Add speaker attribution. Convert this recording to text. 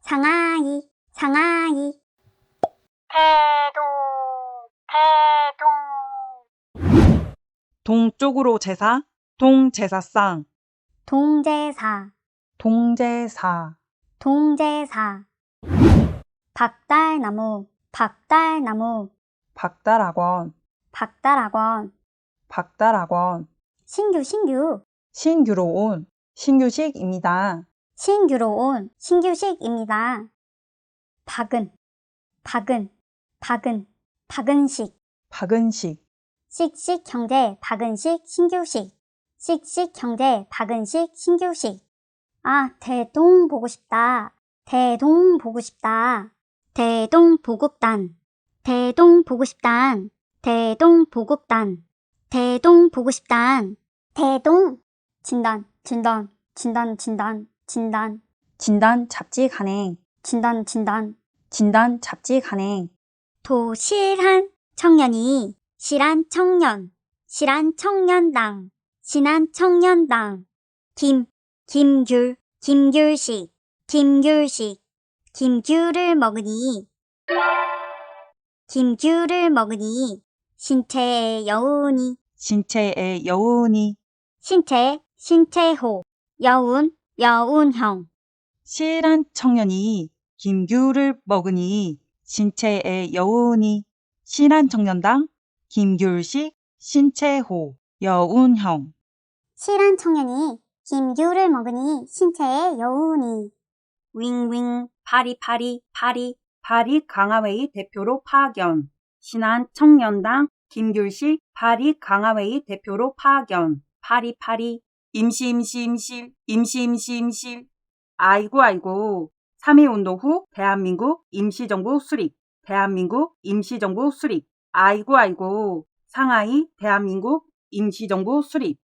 Speaker 1: 상하이, 상하이. 태동.
Speaker 2: 동쪽으로 제사, 동제사상,
Speaker 1: 동제사,
Speaker 2: 동제사,
Speaker 1: 동제사. 박달나무, 박달나무.
Speaker 2: 박달학원,
Speaker 1: 박달학원.
Speaker 2: 박달학원,
Speaker 1: 신규, 신규.
Speaker 2: 신규로 온 신규식입니다.
Speaker 1: 신규로 온 신규식입니다. 박은, 박은, 박은, 박은식.
Speaker 2: 박은식,
Speaker 1: 씩씩 형제 박은식 신규식. 씩씩 형제 박은식 신규식. 아, 대동 보고 싶다. 대동 보고 싶다. 대동 보급단. 대동 보고 싶단. 대동 보급단. 대동 보고 싶단. 대동. 진단, 진단, 진단, 진단, 진단.
Speaker 2: 진단 잡지 간행,
Speaker 1: 진단, 진단.
Speaker 2: 진단 잡지 간행,
Speaker 1: 도실한 청년이 실한 청년, 실한 청년당, 신한 청년당. 김귤, 김귤식, 김귤식. 김귤을 먹으니, 김귤을 먹으니 신체의 여운이,
Speaker 2: 신체의 여운이,
Speaker 1: 신체호, 여운, 여운형.
Speaker 2: 실한 청년이 김귤을 먹으니 신체의 여운이, 실한 청년당, 김귤식, 신체호, 여운형.
Speaker 1: 실한 청년이 김귤을 먹으니 신체의 여운이.
Speaker 2: 윙윙, 파리파리, 파리 강화회의 대표로 파견. 신한 청년당 김귤식 파리 강화회의 대표로 파견. 파리파리, 임시. 아이고. 3.1운동 후 대한민국 임시정부 수립. 대한민국 임시정부 수립. 아이고. 상하이 대한민국 임시정부 수립.